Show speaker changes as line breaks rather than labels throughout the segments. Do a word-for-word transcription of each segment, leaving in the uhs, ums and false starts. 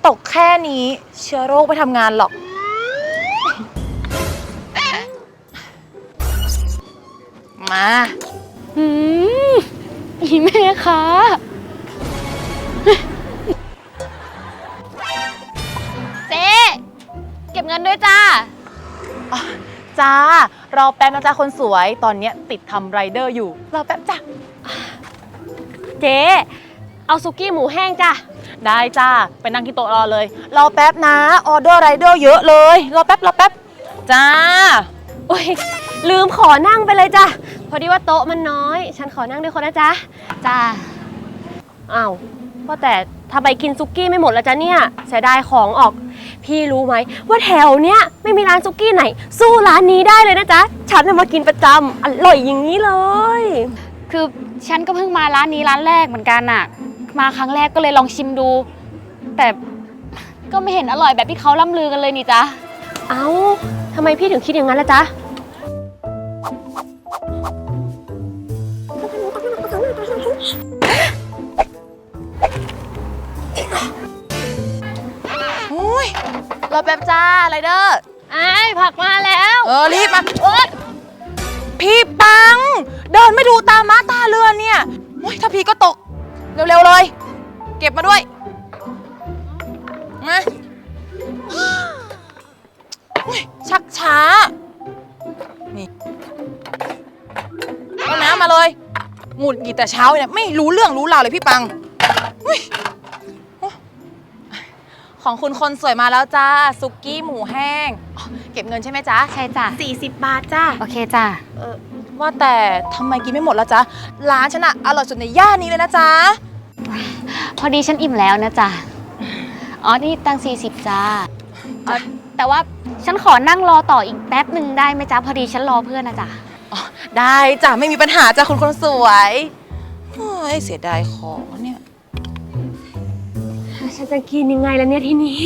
ตกแค่นี้เชื้อโรคไปทำงานหรอกมา
อืมอีแม่คะเจ๊เก็บเงินด้วยจ้า
จ้ารอแป๊บนะจ้าคนสวยตอนนี้ติดทำไรเดอร์อยู่รอแป๊บจ้ะ
เจ๊เอาซุกี้หมูแห้งจ้ะ
ได้จ้าไปนั่งที่โต๊ะรอเลยรอแป๊บนะออเดอร์ไรเดอร์เยอะเลยรอแป๊บรอแป๊บจ้า
โอ้ยลืมขอนั่งไปเลยจ้ะพอดีว่าโต๊ะมันน้อยฉันขอนั่งด้วยคนนะจ๊ะจ้าอ้าวว่าแต่ทำไมกินซุกี้ไม่หมดแล้วจ๊ะเนี่ยเสียดายของออกพี่รู้ไหมว่าแถวเนี้ยไม่มีร้านซุกี้ไหนสู้ร้านนี้ได้เลยนะจ๊ะฉันมากินประจำอร่อยอย่างนี้เลย
คือฉันก็เพิ่งมาร้านนี้ร้านแรกเหมือนกันน่ะมาครั้งแรกก็เลยลองชิมดูแต่ก็ไม่เห็นอร่อยแบบที่เขาล่ำลือกันเลยนี่จ๊ะ
เอ้าทำไมพี่ถึงคิดอย่างนั้นล่ะจ๊ะ
อุ้ยรอแป๊บจ้าไรเดอร์
ไอ้ผักมาแล้ว
เออรีบมาโอ๊ยพี่ปังเดินไม่ดูตาม้าตาเรือนเนี่ยโอ้ยถ้าพี่ก็ตกเร็วๆเลยเก็บมาด้วยมาชักช้านี่เอาน้ำมาเลยหงุดหงิดแต่เช้าเนี่ยไม่รู้เรื่องรู้ราวเลยพี่ปังของคุณคนสวยมาแล้วจ้าซุกี้หมูแห้งเก็บเงินใช่ไหมจ๊ะ
ใช่จ้ะ
สี่สิบบาทจ้า
โอเคจ้ะ
เออว่าแต่ทำไมกินไม่หมดแล้วจ๊ะร้านฉันอะอร่อยสุดในย่านนี้เลยนะจ๊ะ
พอดีฉันอิ่มแล้วนะจ๊ะอ๋อนี่ตังสี่สิบจ้าแต่ว่าฉันขอนั่งรอต่ออีกแป๊บหนึ่งได้ไหมจ๊ะพอดีฉันรอเพื่อนนะจ๊ะ
อ๋อได้จ้ะไม่มีปัญหาจ้ะคุณคนสวยเฮ้ยเสียดายของเนี่ย
ฉันจะกินยังไงล่ะเนี่ยทีนี้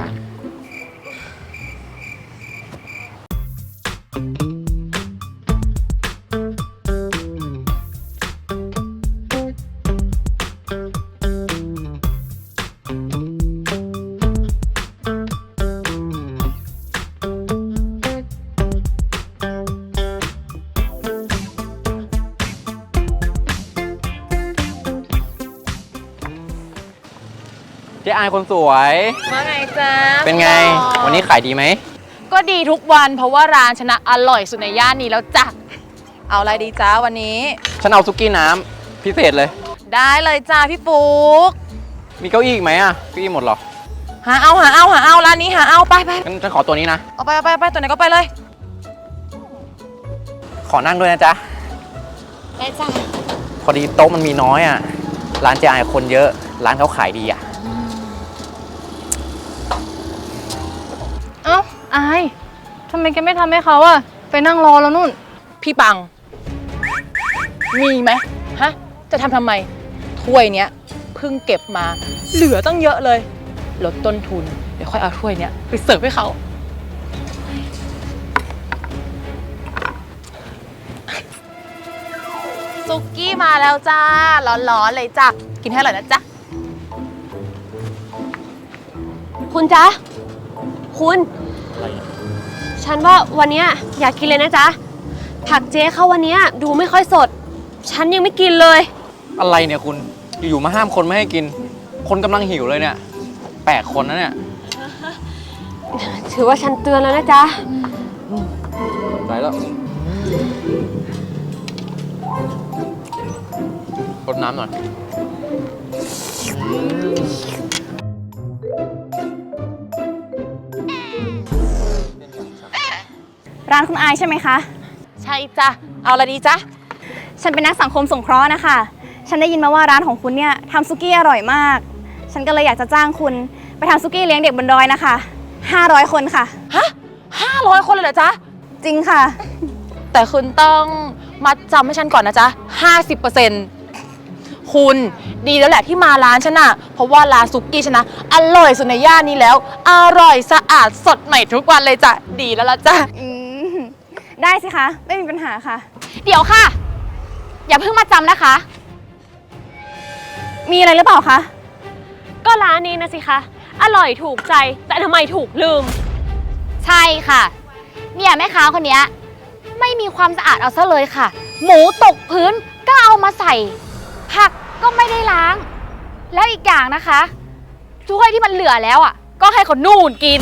เจ๊อายคนสวย
ว่าไงจ๊ะ
เป็นไงวันนี้ขายดีไหม
ก็ดีทุกวันเพราะว่าร้านชนะอร่อยสุดในย่านนี้แล้วจ้ะเอาอะไรดีจ้าวันนี้
ฉันเอาซุกี้น้ำพิเศษเลย
ได้เลยจ้าพี่ปุ๊ก
มีเก้าอี้อีกไหมอ่ะเก้าอี้หมดหรอ
หาเอาหาเอาหาเอาร้านนี้หาเอาไปไป
งั้นฉันขอตัวนี้นะ
เอาไปเอาไปไปตัวไหนก็ไปเลย
ขอนั่งด้วยนะจ๊ะ
ได้จ้ะ
พอดีโต๊ะมันมีน้อยอ่ะร้านเจ๊อายคนเยอะร้านเขาขายดีอ่ะ
เอ้าอายทำไมแกไม่ทำให้เขาอะไปนั่งรอแล้วนู่น
พี่ปังมีไหมฮะจะทำทำไมถ้วยเนี้ยเพิ่งเก็บมาเหลือตั้งเยอะเลยลดต้นทุนเดี๋ยวค่อยเอาถ้วยเนี้ยไปเสิร์ฟให้เขาซุกี้มาแล้วจ้าร้อนๆเลยจ้ะกินให้อร่อยนะจ๊ะ
คุณจ๊ะคุณฉันว่าวันนี้อยากกินเลยนะจ๊ะผักเจ๊เข้าวันนี้ดูไม่ค่อยสดฉันยังไม่กินเลย
อะไรเนี่ยคุณอยู่ๆมาห้ามคนไม่ให้กินคนกำลังหิวเลยเนี่ยแปลกคนนะเนี่ย
ถือว่าฉันเตือนแล้วนะจ๊ะ
ได้แล้วรดน้ำหน่อย
ร้านคุณอายใช่ไหมคะ
ใช่จ้ะเอาอะไรดีจ๊ะ
ฉันเป็นนักสังคมสงเคราะห์นะคะฉันได้ยินมาว่าร้านของคุณเนี่ยทำซุกี้อร่อยมากฉันก็เลยอยากจะจ้างคุณไปทำซุกี้เลี้ยงเด็กบนดอยนะคะห้าร้อยคนค่ะ
ฮะห้าร้อยคนเลยเหรอจ๊ะ
จริงค่ะ
แต่คุณต้องมัดจำให้ฉันก่อนนะจ๊ะห้าสิบเปอร์เซ็นต์คุณดีแล้วแหละที่มาร้านฉันน่ะเพราะว่าร้านซุกี้ฉันนะอร่อยสุดในย่านนี้แล้วอร่อยสะอาดสดใหม่ทุกวันเลยจ้ะดีแล้วล่ะจ้ะ
ได้สิคะไม่มีปัญหาค่ะเดี๋ยวค่ะอย่าเพิ่งมาจำนะคะมีอะไรหรือเปล่าคะ
ก็ร้านนี้นะสิคะอร่อยถูกใจ แต่ทำไมถูกลืม
ใช่ค่ะ เนี่ยแม่ค้าคนเนี้ยไม่มีความสะอาดเอาซะเลยค่ะ หมูตกพื้นก็เอามาใส่ ผักก็ไม่ได้ล้าง แล้วอีกอย่างนะคะถ้วยที่มันเหลือแล้วอ่ะ ก็ให้คนนู่นกิน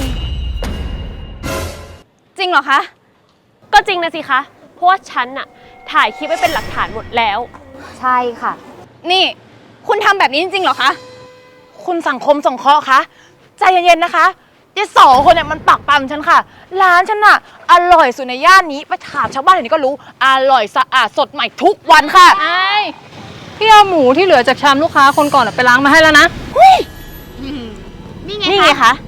จริงเหรอคะ
ก็จริงนะสิคะ เพราะว่าฉันน่ะถ่ายคลิปไว้เป็นหลักฐานหมดแล้ว
ใช่ค่ะ
นี่คุณทำแบบนี้จริงๆเหรอคะ
คุณสังคมสงเคราะห์คะใจเย็นๆนะคะยายสองคนเนี่ยมันปักปั๊มฉันค่ะ ร้านฉันน่ะอร่อยสุดในย่านนี้ไปถามชาวบ้านแถวนี้ก็รู้อร่อยสะอาดสดใหม่ทุกวันค่ะ
ไอ้พี่เอาหมูที่เหลือจากชามลูกค้าคนก่อนอะไปล้างมาให้แล้วนะ
นี่ไง
นี่ไง
คะ
คะ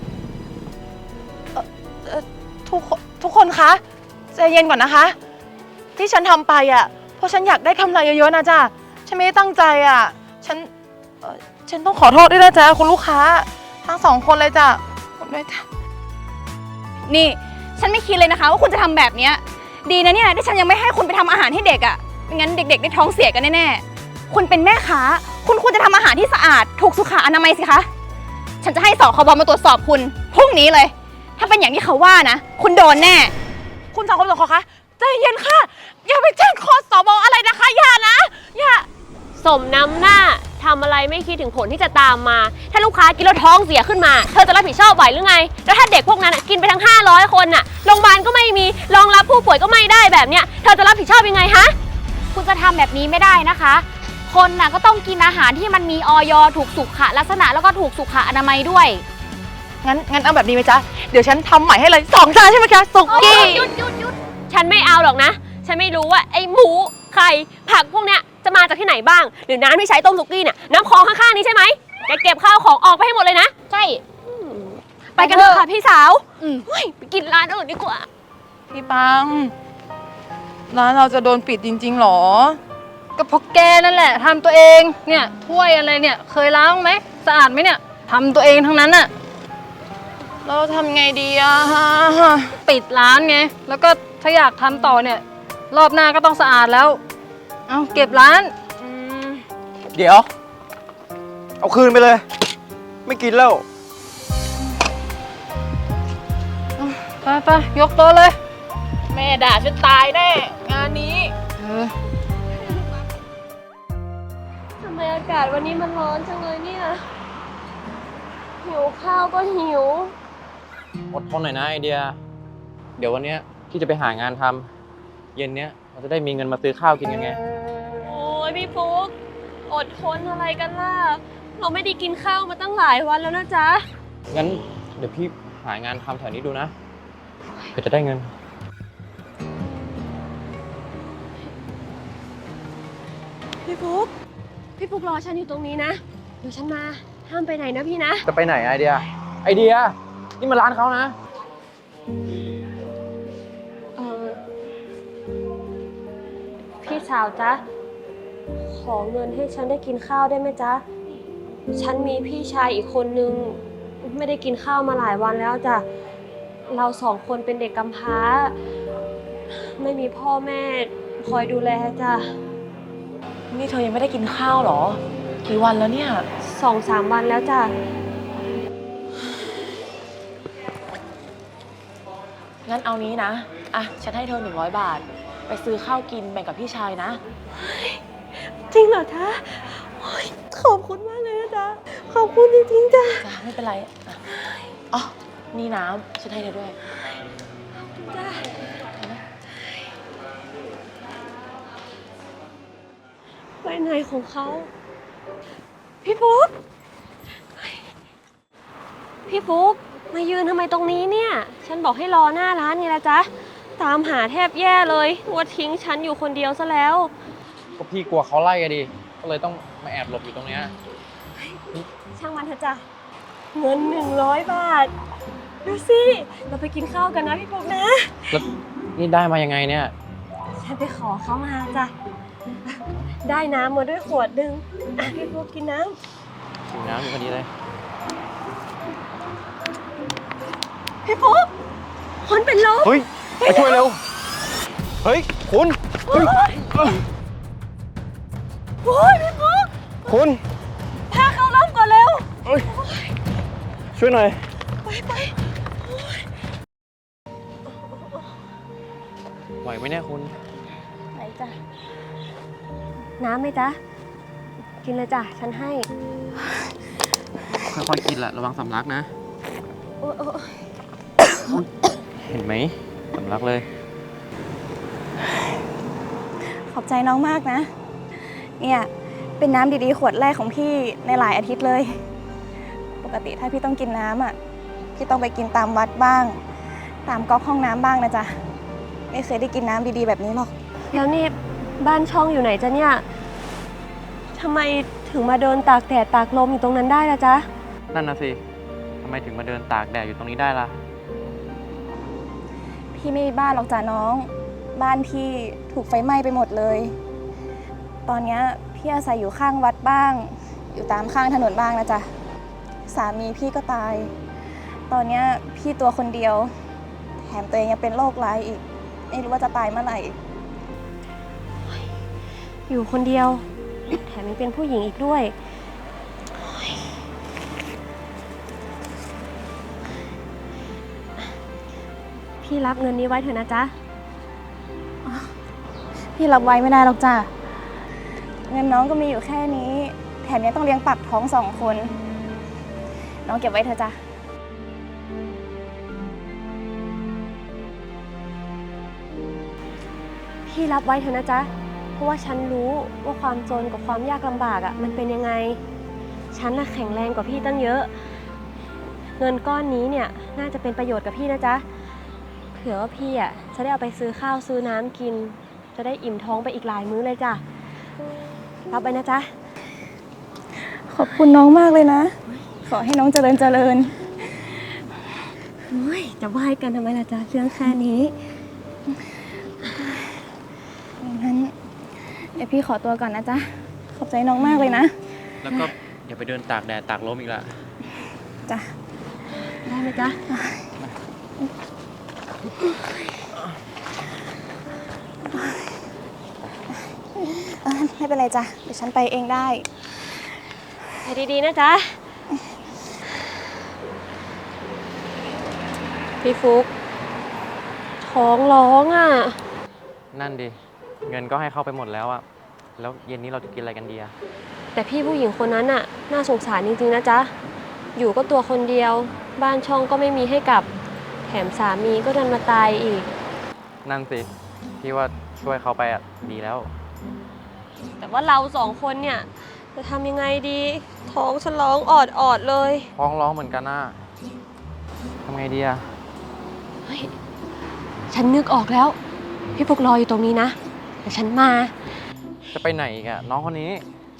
เอ่อทุกคนทุกคนคะใจเย็นก่อนนะคะ ที่ฉันทำไปอ่ะเพราะฉันอยากได้กำไรเยอะๆนะจ๊ะฉันไม่ได้ตั้งใจอ่ะฉันเอ่อฉันต้องขอโทษด้วยนะจ๊ะคุณลูกค้าทั้งสองคนเลยจ้ะขอโทษด้วยจ้ะ
นี่ฉันไม่คิดเลยนะคะว่าคุณจะทำแบบเนี้ยดีนะเนี่ยที่ฉันยังไม่ให้คุณไปทำอาหารให้เด็กอะ่ะไม่งั้นเด็กๆได้ท้องเสียกันแน่ๆคุณเป็นแม่ค้าคุณควรจะทำอาหารที่สะอาดถูกสุขอนามัยสิคะฉันจะให้สคบมาตรวจสอบคุณพรุ่งนี้เลย ถ้าเป็นอย่างที่เขาว่านะคุณโดนแน่
คุณสังคมสงเคราะห์คะใจเย็นค่ะ อย่าไปแจ้งคอสบอะไรนะคะอย่านะอย่า
สมน้ำหน้าทำอะไรไม่คิดถึงผลที่จะตามมา ถ้าลูกค้ากินแล้วท้องเสียขึ้นมา เธอจะรับผิดชอบไหวหรือไง แล้วถ้าเด็กพวกนั้นน่ะกินไปทั้งห้าร้อยคนน่ะโรงพยาบาลก็ไม่มีรองรับผู้ป่วยก็ไม่ได้แบบเนี้ยเธอจะรับผิดชอบยังไงฮะ
คุณจะทำแบบนี้ไม่ได้นะคะ คนน่ะก็ต้องกินอาหารที่มันมีออยถูกสุขลักษณะแล้วก็ถูกสุขอนามัยด้วย
งั้นงั้นเอาแบบนี้ไหมจ๊ะเดี๋ยวฉันทำใหม่ให้เลยสองจานใช่ไหมจ๊ะสุกี้
หยุดหยุดหยุดฉันไม่เอาหรอกนะ ฉันไม่รู้ว่าไอ้หมูไข่ผักพวกเนี้ยจะมาจากที่ไหไหนบ้าง หรือน้ำที่ใช้ต้มสุกี้เนี่ยน้ำคลองข้างๆนี้ใช่ไหมแกเก็บข้าวของออกไปให้หมดเลยนะ
ใช่
ไปกันเถอะค่ะพี่สาวเฮ้ยไปกินร้านอื่นดีกว่า
พี่ปังร้านเราจะโดนปิดจริงๆหรอ
ก็เพราะแกนั่นแหละทำตัวเองเนี่ยถ้วยอะไรเนี่ยเคยล้างไหมสะอาดไหมเนี่ยทำตัวเองทั้งนั้นอะ
เราทำไงดีอะ
ปิดร้านไงแล้วก็ถ้าอยากทำต่อเนี่ยรอบหน้าก็ต้องสะอาดแล้วเอาเก็บร้าน
เดี๋ยว เอาคืนไปเลย ไม่กินแล้ว
ไปไปยกโต๊ะเลย
แม่ด่าฉันตายแน่งานนี้
เออ
ทำไมอากาศวันนี้มันร้อนจังเลยเนี่ยหิวข้าวก็หิว
อดทนหน่อยนะไอเดีย เดี๋ยววันเนี้ยพี่จะไปหางานทำเย็นเนี้ยเราจะได้มีเงินมาซื้อข้าวกินกันไง
โอ้ยพี่ฟุกอดทนอะไรกันล่ะ เราไม่ได้กินข้าวมาตั้งหลายวันแล้วนะจ๊ะ
งั้นเดี๋ยวพี่หางานทำแถวนี้ดูนะเพื่อจะได้เงิน
พี่ฟุกพี่ฟุกรอฉันอยู่ตรงนี้นะ เดี๋ยวฉันมา ห้ามไปไหนนะพี่นะ
จะไปไหนไอเดีย ไอเดีย นี่มันร้านเขานะ
เออพี่สาวจ๊ะ ขอเงินให้ฉันได้กินข้าวได้ไหมจ๊ะ ฉันมีพี่ชายอีกคนนึง ไม่ได้กินข้าวมาหลายวันแล้วจ้ะ เราสองคนเป็นเด็กกำพร้า ไม่มีพ่อแม่คอยดูแลจ้ะ
นี่เธอยังไม่ได้กินข้าวเหรอ กี่วันแล้วเนี่ย
สองสามวันแล้วจ้ะ
งั้นเอานี้นะ อ่ะ ฉันให้เธอหนึ่งร้อยบาท ไปซื้อข้าวกินแบ่งกับพี่ชายนะ
จริงเหรอจ๊ะโอ๊ยขอบคุณมากเลยนะจ๊ะ ขอบคุณจริงๆจ้ะ
จ้าไม่เป็นไรอ่ะอ๋อ นี่น้ำฉันให้เธอด้วย
จ้ะไปไหนของเขา พี่ฟุ๊กพี่ฟุ๊กมายืนทำไมตรงนี้เนี่ย ฉันบอกให้รอหน้าร้านไงละจ๊ะ ตามหาแทบแย่เลยว่าทิ้งฉันอยู่คนเดียวซะแล้ว
ก็พี่กลัวเขาไล่กันดิ ก็เลยต้องมาแอบหลบอยู่ตรงเนี้ย
ช่างมันเถอะจ้ะ เงินหนึ่งร้อยบาท ดูสิ เราไปกินข้าวกันนะพี่ฟุ๊กนะ
แล้วนี่ได้มายังไงเนี่ย
ฉันไปขอเขามาจ้ะ ได้น้ำมาด้วยขวดหนึ่งอ่ะพี่ฟุ๊กกินน้
ถึงน้ำอยู่พอดีเลย
ำพี่ฟุ๊กคนเป็นลม
เฮ้ย ไปช่วยเร็ว เฮ้ย คุณเฮ้ย
โอ้ยพี่ฟุ๊ก
คุณ
พาเขาล้มก่อนเร็ว
เฮ้ยช่วยช่วยหน่อย
ไปไป
ไหวไหมเนี่ยคุณ
ไหนจ้ะ น้ำไหมจ๊ะ กินเลยจ้ะ ฉันให้
ค่อยๆกินละระวังสำลักนะ
โอ้โอ้
เห็นไหมสำลักเลย
ขอบใจน้องมากนะ เนี่ยเป็นน้ำดีๆขวดแรกของพี่ในหลายอาทิตย์เลย ปกติถ้าพี่ต้องกินน้ำอ่ะ พี่ต้องไปกินตามวัดบ้าง ตามก๊อกห้องน้ำบ้างนะจ๊ะ ไม่เคยได้กินน้ำดีๆแบบนี้หรอก
แล้วนี่บ้านช่องอยู่ไหนจ๊ะเนี่ยทำไมถึงมาเดินตากแดดตากลมอยู่ตรงนั้นได้ล่ะจ๊ะ
นั่นนะสิทำไมถึงมาเดินตากแดดอยู่ตรงนี้ได้ล่ะ
พี่ไม่มีบ้านหรอกจ้ะน้อง บ้านพี่ถูกไฟไหม้ไปหมดเลย ตอนเนี้ยพี่อาศัยอยู่ข้างวัดบ้าง อยู่ตามข้างถนนบ้างนะจ๊ะ สามีพี่ก็ตาย ตอนเนี้ยพี่ตัวคนเดียว แถมตัวเองยังเป็นโรคร้ายอีก ไม่รู้ว่าจะตายเมื่อไหร่
อยู่คนเดียว แถมยังเป็นผู้หญิงอีกด้วย พี่รับเงินนี้ไว้เถอะนะจ๊ะ
พี่รับไว้ไม่ได้หรอกจ้ะ เงินน้องก็มีอยู่แค่นี้ แถมยังต้องเลี้ยงปากท้องสองคน น้องเก็บไว้เถอะจ้ะ
พี่รับไว้เถอะนะจ๊ะ เพราะว่าฉันรู้ว่าความจนกับความยากลำบากอ่ะมันเป็นยังไง ฉันน่ะแข็งแรงกว่าพี่ตั้งเยอะ เงินก้อนนี้เนี่ยน่าจะเป็นประโยชน์กับพี่นะจ๊ะ เผื่อว่าพี่อ่ะจะได้เอาไปซื้อข้าวซื้อน้ำกิน จะได้อิ่มท้องไปอีกหลายมื้อเลยจ้ะ รับไปนะจ๊ะ
ขอบคุณน้องมากเลยนะ ขอให้น้องเจริญเจริญ
โอ้ยจะไหว้กันทำไมล่ะจ๊ะเรื่องแค่นี้
งั้นเดี๋ยวพี่ขอตัวก่อนนะจ๊ะ ขอบใจน้องมากเลยนะ
แล้วก็อย่าไปเดินตากแดดตากลมอีกละ
จ้ะ
ได้ไหมจ๊ะ
เออไม่เป็นไรจ้ะ เดี๋ยวฉันไปเองได้
ไปดีๆนะจ๊ะ พี่ฟุกท้องร้องอ่ะ
นั่นดิ เงินก็ให้เข้าไปหมดแล้วอะแล้วเย็นนี้เราจะกินอะไรกันดีอะ
แต่พี่ผู้หญิงคนนั้นน่ะน่าสงสารจริงๆนะจ๊ะ อยู่ก็ตัวคนเดียว บ้านช่องก็ไม่มีให้กลับ แถมสามีก็ดันมาตายอีก
นั่นสิพี่ว่าช่วยเขาไปอะดีแล้ว
แต่ว่าเราสองคนเนี่ยจะทำยังไงดี ท้องฉันร้องออดออดๆเลย
ท้องร้องเหมือนกันนะทำไงดีอะ
เฮ้ย ฉันนึกออกแล้ว พี่ฟุกรออยู่ตรงนี้นะเดี๋ยวฉันมา
จะไปไหนอีกอะน้องคนนี้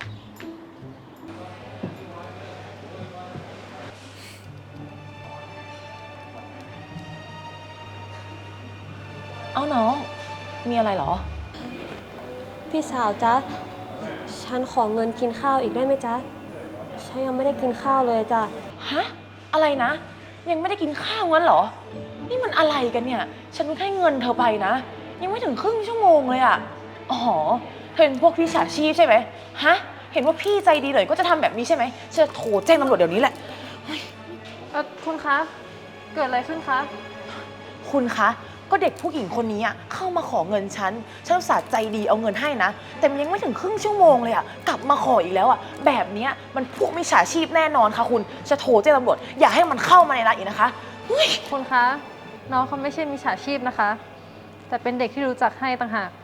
เอ้าน้อง มีอะไรเหรอ
พี่สาวจ๊ะ ฉันขอเงินกินข้าวอีกได้ไหมจ๊ะ ฉันยังไม่ได้กินข้าวเลยจ้ะ
ฮะ อะไรนะ ยังไม่ได้กินข้าวงั้นเหรอ นี่มันอะไรกันเนี่ย ฉันเพิ่งให้เงินเธอไปนะ ยังไม่ถึงครึ่งชั่วโมงเลยอะอ๋อเธอเป็นพวกพี่ฉาชีพใช่ไหมฮะ เห็นว่าพี่ใจดีเลยก็จะทำแบบนี้ใช่ไหมฉันจะโทรแจ้งตำรวจเดี๋ยวนี้แหละ
เออคุณคะ เกิดอะไรขึ้นคะ
คุณคะ ก็เด็กผู้หญิงคนนี้อะเข้ามาขอเงินฉัน ฉันอุตส่าห์ใจดีเอาเงินให้นะ แต่มันยังไม่ถึงครึ่งชั่วโมงเลยอะกลับมาขออีกแล้วอะแบบเนี้ยมันพวกมิจฉาชีพแน่นอนค่ะคุณ จะโทรแจ้งตำรวจอย่าให้มันเข้ามาในร้านอีกนะคะเฮ้ย
คุณคะ น้องเขาไม่ใช่มิจฉาชีพนะคะ แต่เป็นเด็กที่รู้จักให้ต่างหาก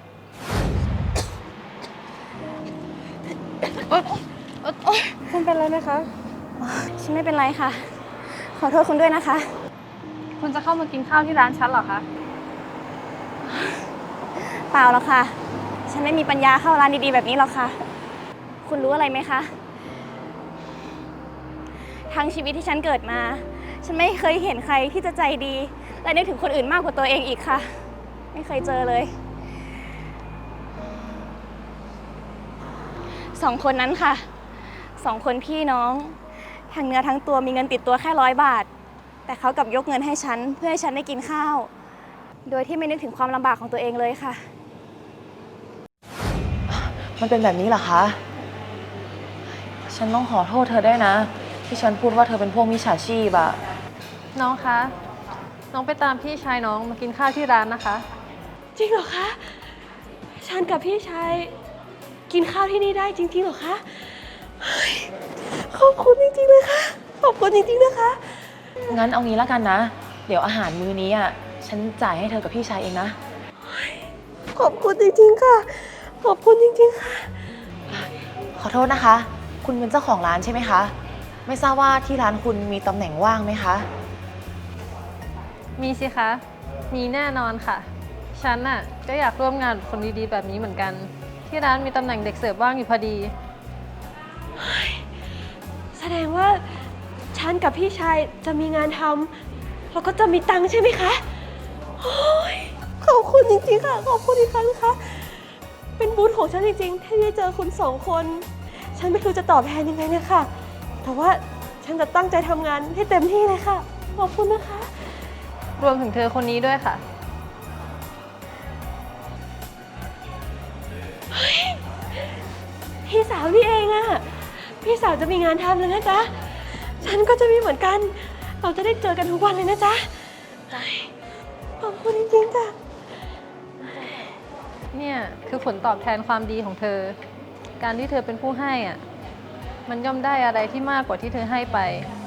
คุณเป็นอะไรไหมคะ
ฉันไม่เป็นไรค่ะ ขอโทษคุณด้วยนะคะ
คุณจะเข้ามากินข้าวที่ร้านฉันเหรอคะ
เปล่าหรอกค่ะ ฉันไม่มีปัญญาเข้าร้านดีๆแบบนี้หรอกค่ะ คุณรู้อะไรไหมคะ ทั้งชีวิตที่ฉันเกิดมา ฉันไม่เคยเห็นใครที่จะใจดี และนึกถึงคนอื่นมากกว่าตัวเองอีกค่ะ ไม่เคยเจอเลย สองคนนั้นค่ะ สองคนพี่น้อง ทั้งเนื้อทั้งตัวมีเงินติดตัวแค่ร้อยบาท แต่เขากลับยกเงินให้ฉันเพื่อให้ฉันได้กินข้าว โดยที่ไม่นึกถึงความลำบากของตัวเองเลยค่ะ
มันเป็นแบบนี้เหรอคะ ฉันต้องขอโทษเธอได้วยนะที่ฉันพูดว่าเธอเป็นพวกมิจฉาชีพอะ
น้องคะ น้องไปตามพี่ชายน้องมากินข้าวที่ร้านนะคะ
จริงเหรอคะ ฉันกับพี่ชายกินข้าวที่นี่ได้จริงๆเหรอคะเฮ้ยขอบคุณจริงๆเลยค่ะ ขอบคุณจริงๆนะคะ
งั้นเอางี้แล้วกันนะ เดี๋ยวอาหารมื้อนี้อะฉันจ่ายให้เธอกับพี่ชายเองนะ
ขอบคุณจริงๆค่ะ ขอบคุณจริงๆค่ะ
ขอโทษนะคะ คุณเป็นเจ้าของร้านใช่ไหมคะ ไม่ทราบว่าที่ร้านคุณมีตำแหน่งว่างไหมคะ
มีสิคะ มีแน่นอนค่ะ ฉันน่ะก็อยากร่วมงานกับคนดีๆแบบนี้เหมือนกัน ที่ร้านมีตำแหน่งเด็กเสิร์ฟว่างอยู่พอดี
แสดงว่าฉันกับพี่ชายจะมีงานทำแล้วก็จะมีตังค์ใช่ไหมคะโอ้ยขอบคุณจริงๆค่ะ ขอบคุณอีกครั้งนะคะ เป็นบุญของฉันจริงๆที่ได้เจอคุณสองคน ฉันไม่รู้จะตอบแทนยังไงเลยค่ะ แต่ว่าฉันจะตั้งใจทำงานให้เต็มที่เลยค่ะ ขอบคุณนะคะ
รวมถึงเธอคนนี้ด้วยค่ะ
พี่สาวนี่เองอะพี่สาวจะมีงานทำแล้วนะจ๊ะ ฉันก็จะมีเหมือนกัน เราจะได้เจอกันทุกวันเลยนะจ๊ะขอบคุณจริงๆจ้ะ
เนี่ยคือผลตอบแทนความดีของเธอ การที่เธอเป็นผู้ให้อ่ะ มันย่อมได้อะไรที่มากกว่าที่เธอให้ไป